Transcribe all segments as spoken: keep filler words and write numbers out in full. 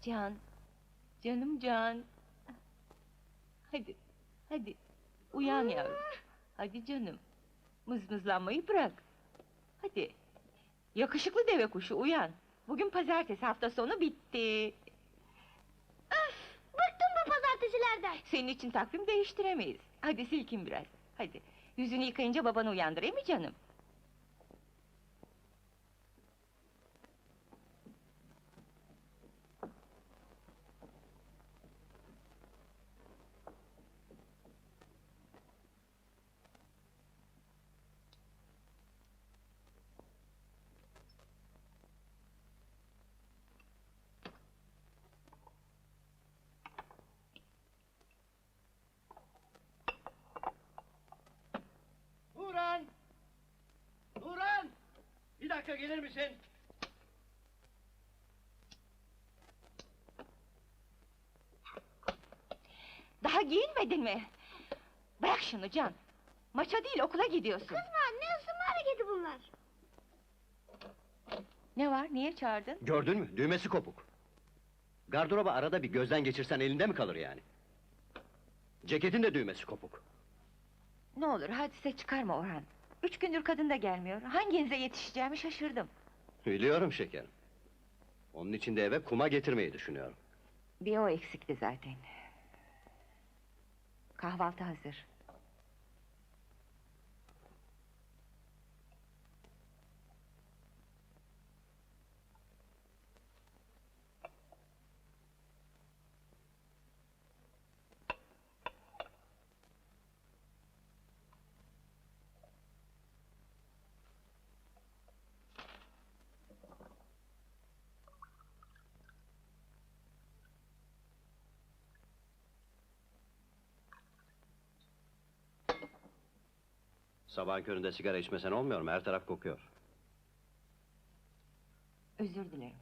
Can, canım Can. Hadi, hadi, uyan yavrum. Hadi canım, mızmızlanmayı bırak. Hadi, yakışıklı deve kuşu uyan. Bugün pazartesi, hafta sonu bitti. Öf! Bıktım bu pazartesilerden! Senin için takvim değiştiremeyiz. Hadi silkin biraz, hadi. Yüzünü yıkayınca babanı uyandırayım mı canım? Nuran! Nuran! Bir dakika gelir misin? Daha giyinmedin mi? Bırak şunu Can! Maça değil, okula gidiyorsun. Kızma, ne ısınma hareketi bunlar? Ne var, niye çağırdın? Gördün mü? Düğmesi kopuk. Gardıroba arada bir gözden geçirsen elinde mi kalır yani? Ceketin de düğmesi kopuk. Ne olur hadise çıkarma Orhan. Üç gündür kadın da gelmiyor. Hanginize yetişeceğimi şaşırdım. Biliyorum şekerim. Onun için de eve kuma getirmeyi düşünüyorum. Bir o eksikti zaten. Kahvaltı hazır. Sabahın köründe sigara içmesen olmuyor mu? Her taraf kokuyor. Özür dilerim.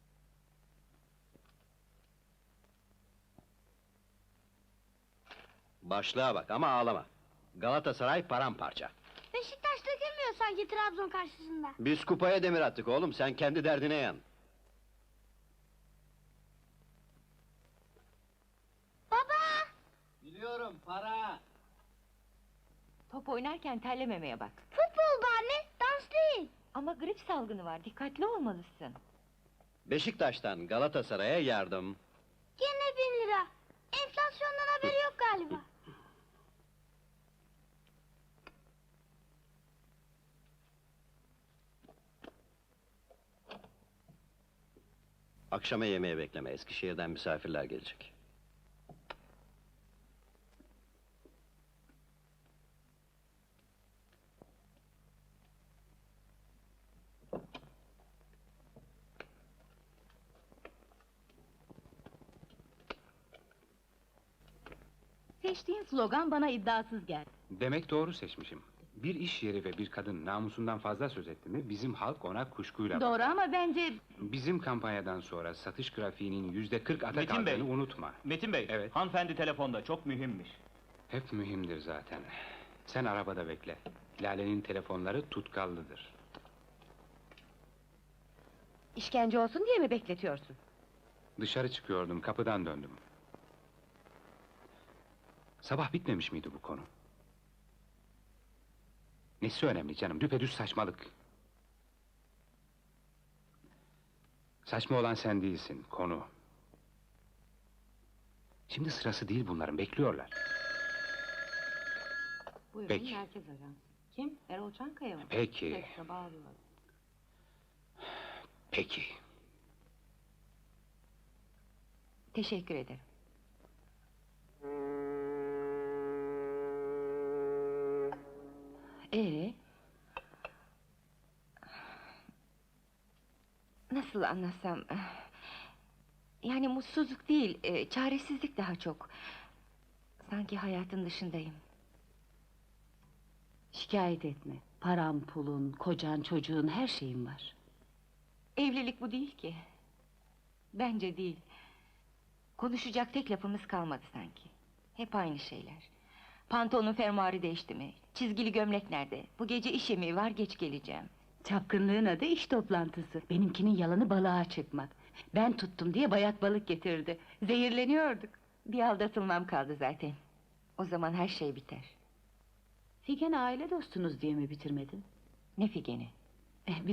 Başlığa bak ama ağlama. Galatasaray paramparça. Beşiktaş dökülmüyor sanki Trabzon karşısında. Biz kupaya demir attık oğlum, sen kendi derdine yan. Baba! Biliyorum, para! Top oynarken terlememeye bak. Futbol bu anne, dans değil. Ama grip salgını var, dikkatli olmalısın. Beşiktaş'tan Galatasaray'a yardım. Gene bin lira. Enflasyondan haberi yok galiba. Akşama yemeğe bekleme, Eskişehir'den misafirler gelecek. Seçtiğin slogan bana iddiasız geldi. Demek doğru seçmişim. Bir iş yeri ve bir kadın namusundan fazla söz etti mi, bizim halk ona kuşkuyla bakar. Doğru ama bence... Bizim kampanyadan sonra satış grafiğinin yüzde kırk ata Metin Bey. kaldığını unutma. Metin Bey, Evet. hanımefendi telefonda, çok mühimmiş. Hep mühimdir zaten. Sen arabada bekle. Lale'nin telefonları tutkallıdır. İşkence olsun diye mi bekletiyorsun? Dışarı çıkıyordum, kapıdan döndüm. Sabah bitmemiş miydi bu konu? Nesi önemli canım, düpedüz saçmalık. Saçma olan sen değilsin, konu. Şimdi sırası değil bunların, bekliyorlar. Buyurun, Peki. merkez ajans. Kim? Erol Çankaya mı? Peki. Tekrar bağlıyorum. Peki. Teşekkür ederim. Ee? Nasıl anlatsam... Yani mutsuzluk değil, e, çaresizlik daha çok. Sanki hayatın dışındayım. Şikayet etme. Paran, pulun, kocan, çocuğun, her şeyin var. Evlilik bu değil ki. Bence değil. Konuşacak tek lafımız kalmadı sanki. Hep aynı şeyler. Pantolonun fermuarı değişti mi? Çizgili gömlek nerede? Bu gece iş yemeği var, geç geleceğim. Çapkınlığın adı iş toplantısı. Benimkinin yalanı balığa çıkmak. Ben tuttum diye bayat balık getirdi. Zehirleniyorduk. Bir aldatılmam kaldı zaten. O zaman her şey biter. Figen aile dostunuz diye mi bitirmedin? Ne Figen'i? Eh,